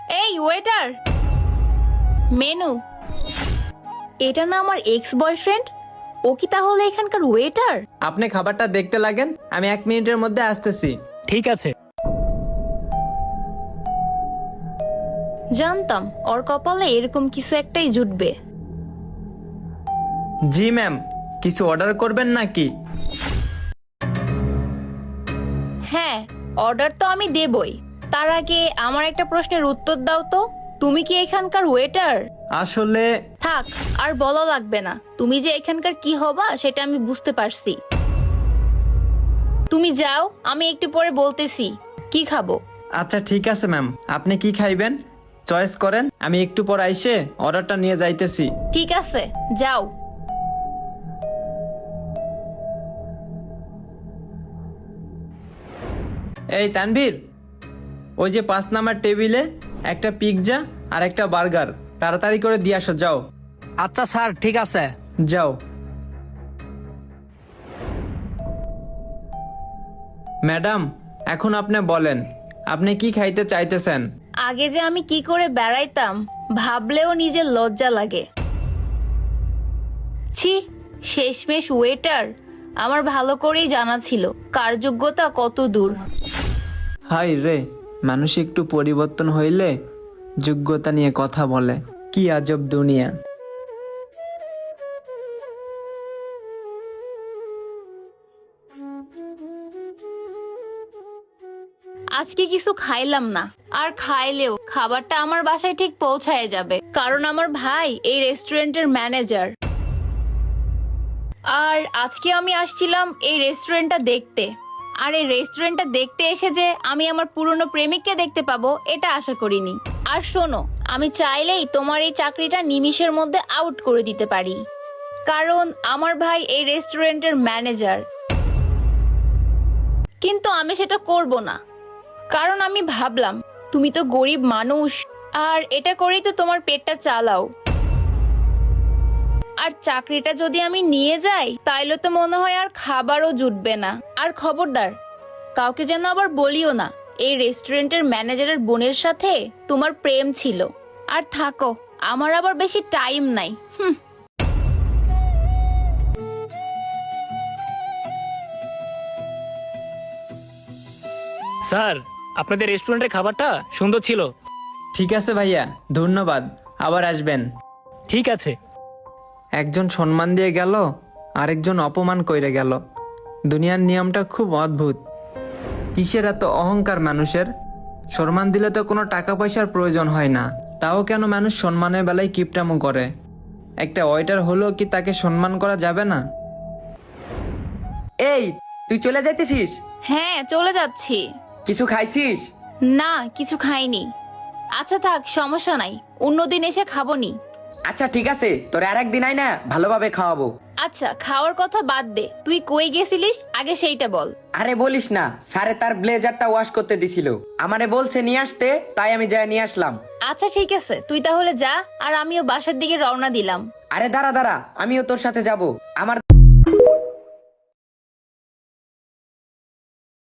এই waiter, menu. এটা না আমার এক্স বয়ফ্রেন্ড? ও কি তাহলে এখানকার ওয়েটার? আপনি খাবারটা দেখতে লাগেন, আমি 1 মিনিটের মধ্যে আসতেছি। ঠিক আছে। জানতাম ওর কপালে এরকম কিছু একটাই জুটবে। জি ম্যাম, কিছু অর্ডার করবেন নাকি? হ্যাঁ, অর্ডার তো আমি দেবই। তার আগে আমার একটা প্রশ্নের উত্তর দাও তো, তুমি কি এখানকার ওয়েটার? আসলে থাক, আর বলা লাগবে না। তুমি যে এখানকার কি হবা সেটা আমি বুঝতে পারছি। তুমি যাও, আমি একটু পরে বলতেছি কি খাবো। আচ্ছা ঠিক আছে ম্যাম, আপনি কি খাইবেন চয়েস করেন, আমি একটু পর আইসে অর্ডারটা নিয়ে যাইতেছি। ঠিক আছে, যাও। এই তানভীর, ওই যে 5 নাম্বার টেবিলে একটা পিৎজা আর একটা বার্গার তাড়াতাড়ি করে দিয়ে আসো, যাও। আচ্ছা স্যার, ঠিক আছে। যাও। ম্যাডাম, এখন আপনি বলেন আপনি কি খাইতে চাইতেছেন? আগে যে আমি কি করে বেড়াইতাম ভাবলেও নিজের লজ্জা লাগে। ছি, শেষমেশ ওয়েটার। আমার ভালো করেই জানা ছিল কার যোগ্যতা কত দূর। হাই রে, মানুষ একটু পরিবর্তন হইলে যোগ্যতা নিয়ে কথা বলে। কি আজব দুনিয়া। আজকে কিছু খাইলাম না, আর খাইলেও খাবারটা আমার বাসায় ঠিক পৌঁছায় যাবে, কারণ আমার ভাই এই রেস্টুরেন্টের ম্যানেজার। আর আজকে আমি আসছিলাম এই রেস্টুরেন্টটা দেখতে, আর এই রেস্টুরেন্টটা দেখতে এসে যে আমি আমার পুরনো প্রেমিককে দেখতে পাবো এটা আশা করিনি। আর শোনো, আমি চাইলেই তোমার এই চাকরিটা নিমিষের মধ্যে আউট করে দিতে পারি, কারণ আমার ভাই এই রেস্টুরেন্টের ম্যানেজার। কিন্তু আমি সেটা করব না, কারণ আমি ভাবলাম তুমি তো গরিব মানুষ, আর এটা করেই তো তোমার পেটটা চালাও। আর চাকরিটা যদি আমি নিয়ে যাই তাইলে তো মনে হয় আর খাবারও জুটবে না। আর খবরদার, কাউকে যেন আবার বলিও না এই রেস্টুরেন্টের ম্যানেজারের বোনের সাথে তোমার প্রেম ছিল। আর থাকো, আমার আবার বেশি টাইম নাই। স্যার, আপনাদের রেস্টুরেন্টের খাবারটা সুন্দর ছিল। ঠিক আছে ভাইয়া, ধন্যবাদ, আবার আসবেন। ঠিক আছে। একজন সম্মান দিয়ে গেল, আরেকজন অপমান কইরে গেল। দুনিয়ার নিয়মটা খুব অদ্ভুত। কিসের এত অহংকার মানুষের? সম্মান দিলে তো কোনো টাকা পয়সার প্রয়োজন হয় না, তাও কেন মানুষ সম্মানের বেলায় কিপটামো করে? একটা ওয়েটার হলেও কি তাকে সম্মান করা যাবে না? এই, তুই চলে যাইতেছিস? হ্যাঁ, চলে যাচ্ছি। কিছু খাইছিস? না, কিছু খাইনি। আচ্ছা থাক, সমস্যা নাই, অন্যদিন এসে খাবনি। আচ্ছা ঠিক আছে, তোর আর একদিন আয় না, ভালোভাবে খাওয়াবো। আচ্ছা, খাওয়ার কথা বাদ দে, তুই কই গেছিলিস আগে সেইটা বল। আরে বলিস না, স্যারে তার ব্লেজারটা ওয়াশ করতে দিছিল, আমারে বলছে নিয়ে আসতে, তাই আমি যাই নিয়ে আসলাম। আচ্ছা ঠিক আছে, তুই তাহলে যা, আর আমিও বাসার দিকে রওনা দিলাম। আরে দাঁড়া দাঁড়া, আমিও তোর সাথে যাব। আমার